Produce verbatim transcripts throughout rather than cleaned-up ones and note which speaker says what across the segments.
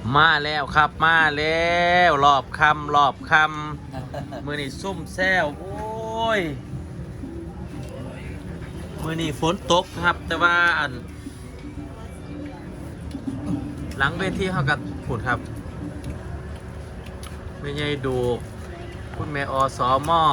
Speaker 1: มาแล้วครับมาแล้วรอบคำรอบคำมือนี่ซุ่มแซวโอ้ยมือนี่ฝนตกครับ แต่ว่าอันหลังเวทีเขากับผุดครับไม่ใช่ดูคุณแม่อสมอ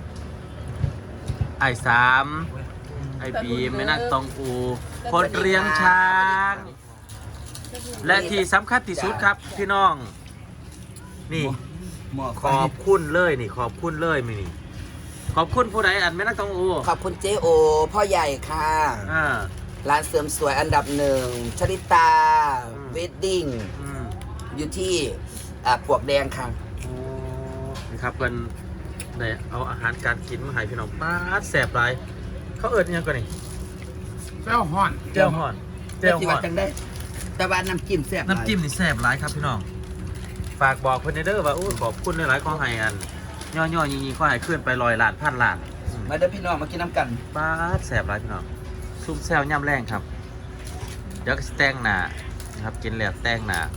Speaker 1: ไอสามไอบีมแม่นักตองอูคนเลี้ยงช้างและที่สำคัญที่สุดครับพี่น้องนี่ขอบคุณเลยนี่ขอบคุณเลยมินี่ขอบคุณผู้ใดอันแม่นักตองอู
Speaker 2: ขอบคุณเจโอพ่อใหญ่ค่ะ
Speaker 1: อ่า
Speaker 2: ร้านเสริมสวยอันดับหนึ่งชลิตาเวดดิ้งอยู่ที่ปวกแดงค่ะ
Speaker 1: นี่ครับเพิ่นได้เอาอาหารการกินมาให้พี่น้องป้าดแสบไรเขาเอิ้นยังก่อนนี่
Speaker 3: เจ้าห่อน
Speaker 1: เจ้าห่อน
Speaker 2: เจ้าห่อนจังได้แต่ว่าน้ำจิ้มแซ่บ
Speaker 1: น้ำจิ้มนี่แซ่บหลายครับพี่น้องฝากบอกเพิ่นเด้อว่าโอ้ขอบคุณหลายๆขอให้อันย่อๆยิงๆขอให้ขึ้นไปลอยล้านพันล้าน
Speaker 2: มาเด้อพี่น้องมากินน้ำกัน
Speaker 1: ป้าดแซ่บหลายพี่น้องซุ่มแซวย่ำแรงครับเดี๋ยวก็แต่งหน้านะครับกินแล้วแต่งหน้า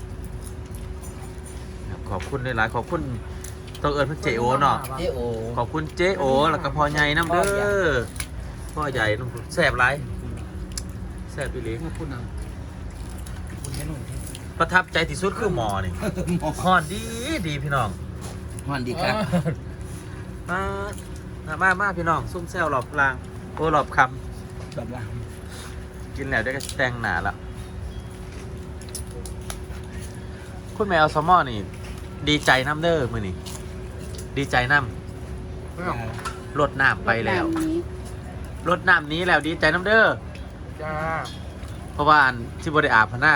Speaker 1: ขอบคุณหลายๆขอบคุณต้องเอิญเพื่อเจโอเนาะ
Speaker 2: เจโอ
Speaker 1: ขอบคุณเจโอแล้วก็พ่อใหญ่น้ำเด้อพ่อใหญ่น้ำแซ่บไรแซ่บไปเลยประทับใจที่สุดคือหมอนี่ห่อนดีดีพี่น้อง
Speaker 2: ห่อนดีครับ
Speaker 1: มามามาพี่น้องซุ่มแซวหลอบลางโอ้หลอบคำ
Speaker 2: หลอบลาง
Speaker 1: กินแล้วได้ก็แต่งหนาแล้วคุณแมวซอมอนี่ดีใจน้ำเด้อมือนี่ดีใจน้ำรดน้ำไปแล้วรดน้ำนี้แล้วดีใจน้ำเด้อ
Speaker 3: จ้า
Speaker 1: เพราะว่าที่บริอาบพน่า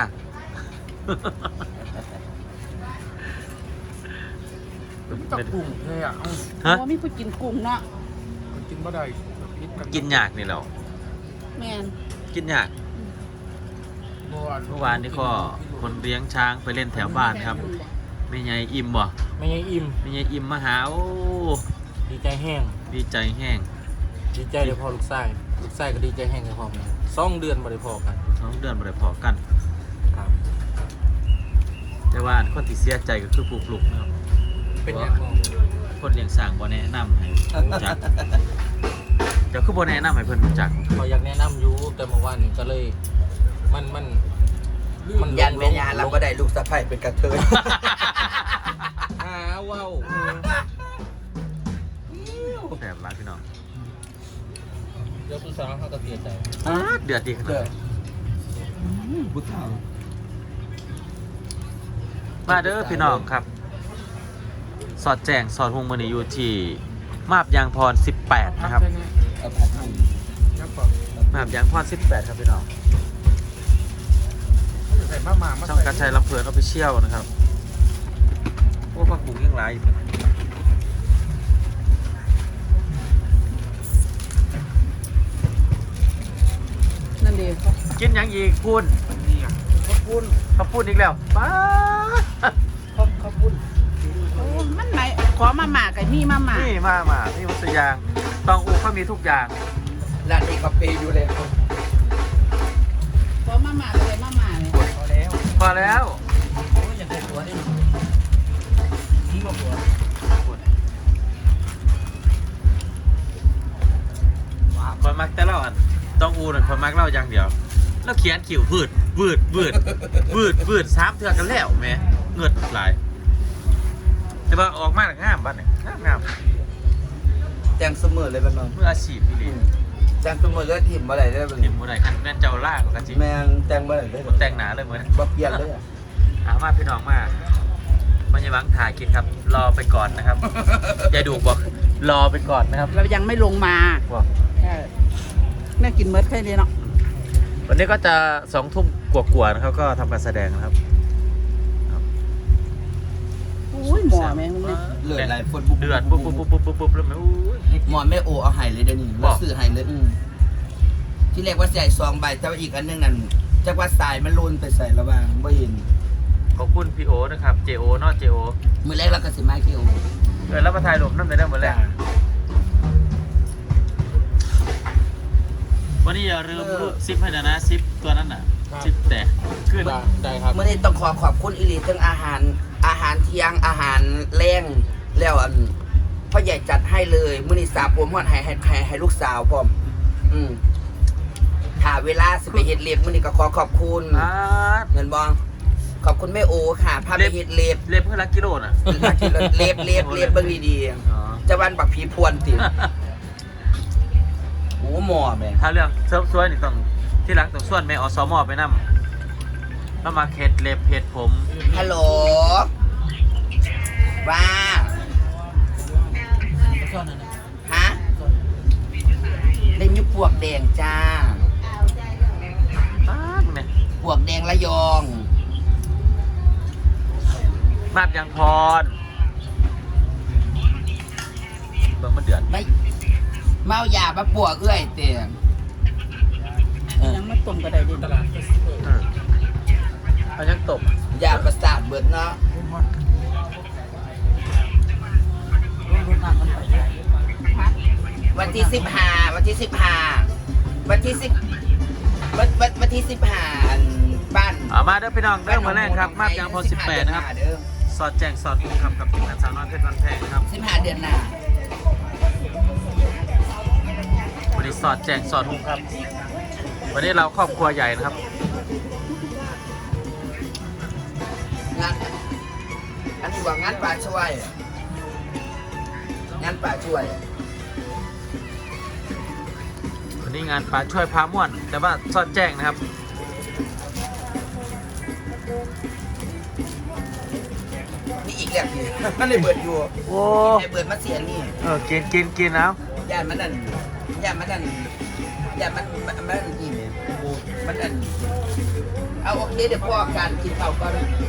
Speaker 3: กับกุ้งเลยอ่ะ
Speaker 4: ฮะมีผู้กินกุ้งเนาะ
Speaker 3: กินบ่ได้
Speaker 1: กินยากนี่แล้ว
Speaker 4: แม่น
Speaker 1: กินยากเมื่อวานนี้ก็คนเลี้ยงช้างไปเล่นแถวบ้านครับไม่ใหญ่อิ่มบ่
Speaker 3: ไม่ใช่อิ่ม
Speaker 1: ไม่ใหญ่อิ่มมาหาโอ้
Speaker 3: ดีใจแห้ง
Speaker 1: ดีใจแห้ง
Speaker 3: ดีใจเดี๋ยวพอลูกไส้ลูกไส้ก็ดีใจแห้งเดี๋ยวพอกันสองเดือนบ่ได้พอกัน
Speaker 1: สองเดือนบ่ได้พอกันครับแต่ว่าคนที่เสียใจก็คือปลูกปลูกนะครับ
Speaker 3: เป็นยังไง
Speaker 1: คนเลี้ยงสร้างบ่แนะนำให้รู้จักเดี๋ยวคือบ่แนะนำให้เพิ่นรู้จัก
Speaker 3: เขาอยากแนะนำอยู่แต่เมื่อวานนี้ก็เลยมันมัน
Speaker 2: มันยันเป็นยาเราก็ได้ลูกสะใภ้เป็นกระเทย
Speaker 3: อ้าว้าว
Speaker 1: แสบร้ายพี่น้อง
Speaker 3: เดี๋ยวผู้สาวเขาก็เสียใจ
Speaker 1: เดือดดีขนาดไหน
Speaker 2: ผู้สาว
Speaker 1: มาเด้อพี่น้องครับสอดแจงสอดหงมือนี่อยู่ที่มาบยางพรสิบแปดนะครับมาบยางพรสิบแปดครับพี่น้องช่องการใช้ลำเพลินออฟฟิเชียลนะครับโอ้พักบุกยังไร
Speaker 4: นั่นเอง
Speaker 1: กินยังอีกพูนข้าวปุ้นข้าวปุ้นอีกแล้วป้าข้าวปุ้น
Speaker 4: มันไหนขอมาหมากับนี่มาหมา
Speaker 1: นี่มาหมานี่มัสยางตองอูเขามีทุกอย่าง
Speaker 2: ร้านนี้เขาเปย์อยู่เลย
Speaker 4: ขอมาหมาเลยมาหมาเลย
Speaker 1: พอแล้วพอแล้ว
Speaker 2: โอ้ยอย่างเด็กตัวนี่ทิ้งมาหัว
Speaker 1: คนมักแต่เล่าอันต้องอูน่ะคนมักเล่าอย่างเดียวแล้วเขียนขิวบืดบืดบืดบืดบืดสามเทือกันแล้วแม่เงิดหลายแต่ว่าออกมาแล้วงามบ้านเนี่ยงามงาม
Speaker 2: แจงเสมอเลยบ้านเรา
Speaker 1: เมื่ออาชีพพี่ลิน
Speaker 2: แจงเสมอเลยถิ่มอะไรได้บ้าง
Speaker 1: ถิ่มอะไรคันแม่นเจ้าล่ากับกะจิ
Speaker 2: แมงแจงอะไรได้
Speaker 1: แต่งหนาเลยเหมือน
Speaker 2: บักเปียนเลยอ่ะ
Speaker 1: อามาพี่น้องมามันยังหวังถ่ายกินครับรอไปก่อนนะครับยายดูบอกรอไปก่อนนะครับ
Speaker 4: เรายังไม่ลงมาแม่กินเมิร์ดแค่นี้เนาะ
Speaker 1: วันนี้ก็จะสองทุ่มกว่าๆนะครับก็ทำการแสดงนะครับ
Speaker 4: อุ้ยหมอแม่งเลย
Speaker 2: เลือดไหลฝน
Speaker 1: เดือดปุ๊บปุ๊บปุ๊บปุ๊บปุ๊บปุ๊บแล้วแม่
Speaker 2: หมอไม่โอเอาไห่เลยเดี๋ยวนี้เราซื้อไห่เลยที่แรกว่าใส่ซองใบแต่ว่าอีกอันนึงนั่นจากว่าสายมันลุนไปใส่ระบางไม่เห็น
Speaker 1: ขอบคุณพี่โอนะครับเจโอนอเจโอ
Speaker 2: มือแรกเราก็สิมาเกี่ยว
Speaker 1: เออแล้วมาถ่ายรูปนั่นเลยได้หมดแล้ววันนี้อย่าลืมรูปซิปให้นะนะซิปตัวนั้นน่ะจิตแต่ขึ้น
Speaker 3: ได้ได้ครับ
Speaker 2: เมื่อนี้ต้องขอขอบคุณอิลีทั้งอาหารอาหารเที่ยงอาหารแรงแล้วอันพ่อใหญ่จัดให้เลยมื้อนี้สาผมฮอดให้ให้ให้ให้ลูกสาวพร้อมอืมถ้าเวลาสิไปเฮ็ดเล็บมื้อนี้ก็ขอขอบคุณ
Speaker 1: อ่า
Speaker 2: เงินบ่ขอบคุณแม่โอค่ะพาไปเฮ็ดเล็บ
Speaker 1: เล็บเพื่อลักกิโลน่ะ
Speaker 2: เล็บเล็บเล็บเบิ่งดี
Speaker 1: อ๋อ
Speaker 2: ๆจะวันบักผีพวนติโอ้หมอแม่
Speaker 1: ถ้าเรื่องเสริมสวยนี่ต้องที่รักต้องส่วนแม่อสมไปนำแล้วมาเฮ็ดเล็บเฮ็ดผม
Speaker 2: ฮัลโหลว่าฮะเล่นอยู่ปวกแดงจ้า
Speaker 1: อ้าแม่
Speaker 2: ปวกแดงระยอง
Speaker 1: มาบยังพรเบิ่งมันเดือด
Speaker 2: ไม่เมายามาปวกเอื้อยเตียง
Speaker 4: ยังไม่ต้มก็ได้ดิ
Speaker 3: ตลาด
Speaker 1: เออเอายังตบ
Speaker 2: ยาประสาทเบิดเนาะวันที่สิบห้าวันที่สิบห้าวันที่สิบวันวันวันที่สิบห้าอันบ้าน
Speaker 1: เอามาเด้อพี่น้องเริ่มมาแรกครับมาบยังพรสิบแปดนะครับ
Speaker 2: เด้อ
Speaker 1: สอดแจงสอดมุมครับกับทีมงานสาวน้อยเพชรวันแพงนะครับ
Speaker 2: สิบห้าเดือนหน้า
Speaker 1: วันนี้สอดแจงสอดมุมครับ วันนี้เราครอบครัวใหญ่นะครับ
Speaker 2: งานอันนี้ว่างานป่าช่วยงานป่าช่วย
Speaker 1: วันนี้งานป่าช่วยพาม่วน แต่ว่าสอดแจ้งนะครับ
Speaker 2: นี่อีกแล้วพี่มันเลยเบิดอยู่
Speaker 1: โอ้
Speaker 2: ไอ้เบิดมาเสียนี่
Speaker 1: เออกินกินกินแล้ว
Speaker 2: ย่านมันนั่นย่านมันนั่นย่านมันมันมันนั่นอีเนี่ยมันนั่นเอาโอเคเดี๋ยวพ่อการกินเผาก่อน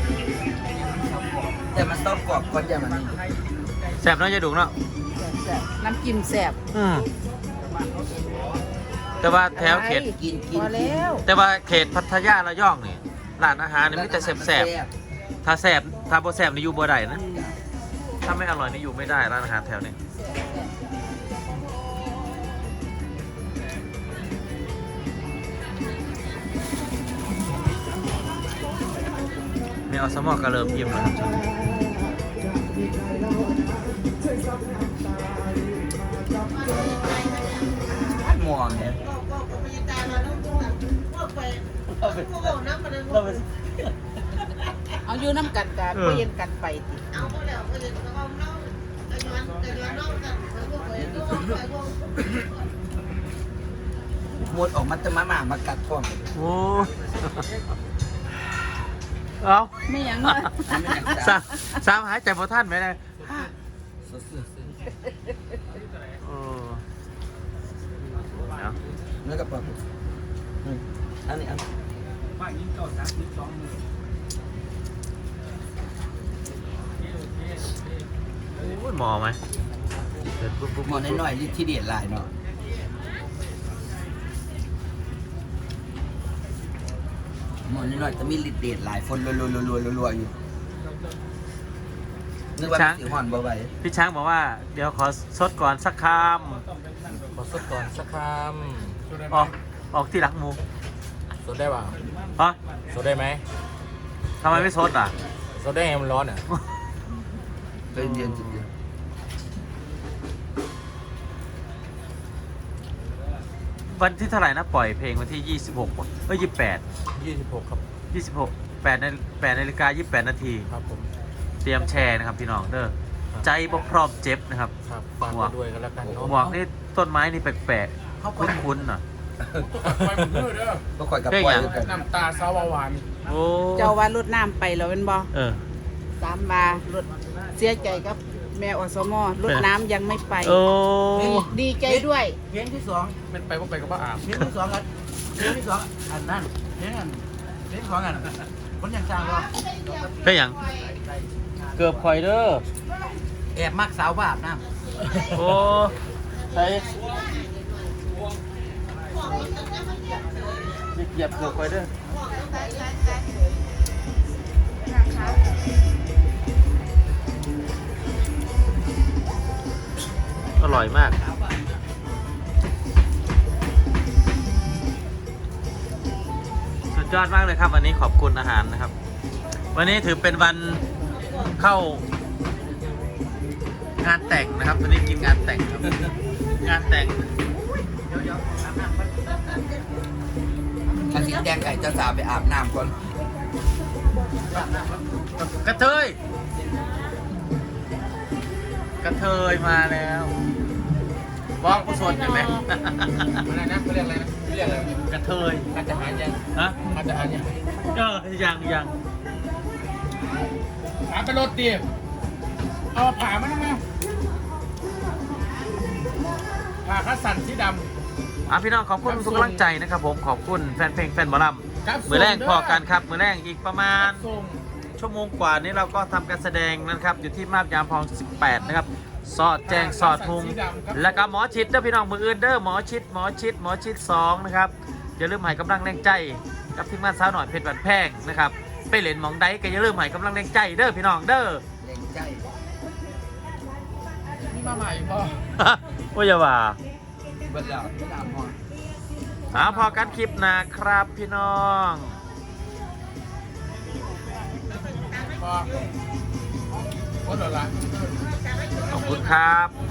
Speaker 2: แต่มันต้องกรอบก่อนอย่ามันนี่
Speaker 1: แสบเน้อยจะดุเนาะ
Speaker 4: แซ่บน้ำจิ้มแซ่บ
Speaker 1: อืมแต่ว่าแถวเขต
Speaker 2: กินกิน
Speaker 4: พอแล้ว
Speaker 1: แต่ว่าเขตพัทยาระยองนี่ร้านอาหารนี่มีแต่แสบแสบถ้าแสบถ้าบ่แสบนี่อยู่บ่ได้นะ ถ้าไม่อร่อยนี่อยู่ไม่ได้ร้านอาหารแถวนี้มีอสมอกระเริ่มยิ้มแล้วครับช่วงนี้
Speaker 2: หมอนเนี่ย
Speaker 4: เอาอยู่น้ำกันกันก็เย็นกันไปติ
Speaker 2: หมดออกมาจะมาหมามากัดท้อง
Speaker 1: โอ้ เอา
Speaker 4: ไม่หยังเลย
Speaker 1: สามสามหายใจพอท่านไหมนะโอ้เอา
Speaker 2: แล้วก็ปลาอันนี้อัน
Speaker 1: โอ้ยหมอไหมเดินปุ๊บปุ๊บ
Speaker 2: หมอนน้อยๆที่เด็ดลายเนาะหมอนน้อยๆจะมีลิดเด็ดลายฝนรัวๆๆๆๆอยู่นึกว่าสีหอนบ่ไหว
Speaker 1: พี่ช้างบอกว่า เดี๋ยวขอซดก่อนสักค
Speaker 3: ขอสดก่อนสักค
Speaker 1: ำออกออกที่รักหมู
Speaker 3: ำสดได้เปล่า
Speaker 1: อ๋อ
Speaker 3: สดได้ไหม
Speaker 1: ทำไมไม่ซดอ่ะ
Speaker 3: สดได้ไงมันร้อนอ่ะ
Speaker 2: เป็นเย็นจริง
Speaker 1: วันที่เท่าไหร่นะปล่อยเพลงวันที่ยี่สิบหกป่ะเอ้ยยี่สิบแปด
Speaker 3: ยี่สิบหกครับ
Speaker 1: ยี่สิบหกแปดในแปดนาฬิกายี่สิบแปดนาที
Speaker 3: ครับผม
Speaker 1: เตรียมแชร์นะครับพี่น้องเด้อใจบ่พร้อมเจ็บนะครับ
Speaker 3: ครับฝากไปด้วยกันแล้วกันเนาะ
Speaker 1: หมวกนี่ต้นไม้นี่แปลกๆคุ้นๆน่ะ
Speaker 5: ไปหมดเลยเด้อ
Speaker 2: ก็ข่อยกับปล่อยด้วยกัน
Speaker 5: น้ำตาสาวหวาน
Speaker 1: โอ้
Speaker 4: เจ้าว่ารดน้ำไปแล้วเป็นบ่
Speaker 1: เออ
Speaker 4: สามบารถเสียใจครับแม่อสมรดน้ำยังไม่ไป
Speaker 1: โอ้
Speaker 4: ดีใจด้วย
Speaker 2: เพลงที่สอง
Speaker 5: เป็นไปก็ไปก็บ้าอาบ
Speaker 2: เพลงที่สองอันเพลงที่สองอันนั้นเพลงอันเพลงที่สองอันคนยังจ้างว่า
Speaker 1: เป็นหยังเกือบข่อยเด้อ
Speaker 2: แอบมักสาวบาปนะ
Speaker 1: โอ้ใส่เหยียบเกือบข่อยเด้ออร่อยมากสุดยยอดมากเลยครับวันนี้ขอบคุณอาหารนะครับ วันนี้ถือเป็นวันเข้างานแต่งนะครับวันนี้กินงานแต่งครับงานแต่ง
Speaker 2: ถ้าสีแดงไก่เจ้าสาวไปอาบน้ำก่อน
Speaker 1: กระเทยกระเทยมาแล้วบอกผู้ชนเห็นไหม
Speaker 3: อะไรนะเขาเรียกอะไรนะเขาเรียกอะไร
Speaker 1: กระเทย
Speaker 3: การจะหารยัง
Speaker 1: ฮะ
Speaker 3: การจะหารยัง
Speaker 1: เออยังยัง
Speaker 5: ถามไปรถดิเอาผ่ามันมาผ่าคัสสันสีด
Speaker 1: อ่ะพี่น้องขอบคุณทุกกำลังใจนะครับผมขอบคุณแฟนเพลงแฟนหมอล
Speaker 5: ำครับ
Speaker 1: ำมือแรกพอกันครับมือแรกอีกประมาณ
Speaker 5: ส่ง
Speaker 1: ชั่วโมงกว่านี้เราก็ทำการแสดงนะครับอยู่ที่มาบยามพองสิบแปดนะครับสอดแจงสอดพุงแล้วก็หมอชิดเด้อพี่น้องมืออื่นเด้อหมอชิดหมอชิดหมอชิดสองนะครับอย่าลืมให้กำลังแรงใจกับทีมงานสาวหน่อยเพชรบันแพงนะครับไปเล่นหมองใดก็อย่าลืมให้กำลังแรงใจเด้อพี่น้องเด้อ
Speaker 2: แรงใจ
Speaker 5: นี่มาใหม่ป่ะ
Speaker 1: ว่าอย่าว่า
Speaker 2: เบิดแล้วไม่ดามพอ
Speaker 1: หาพอกันคลิปหนะครับพี่น้อง
Speaker 5: ป่ะก็เดี๋ยวละ
Speaker 1: ขอบคุณครับ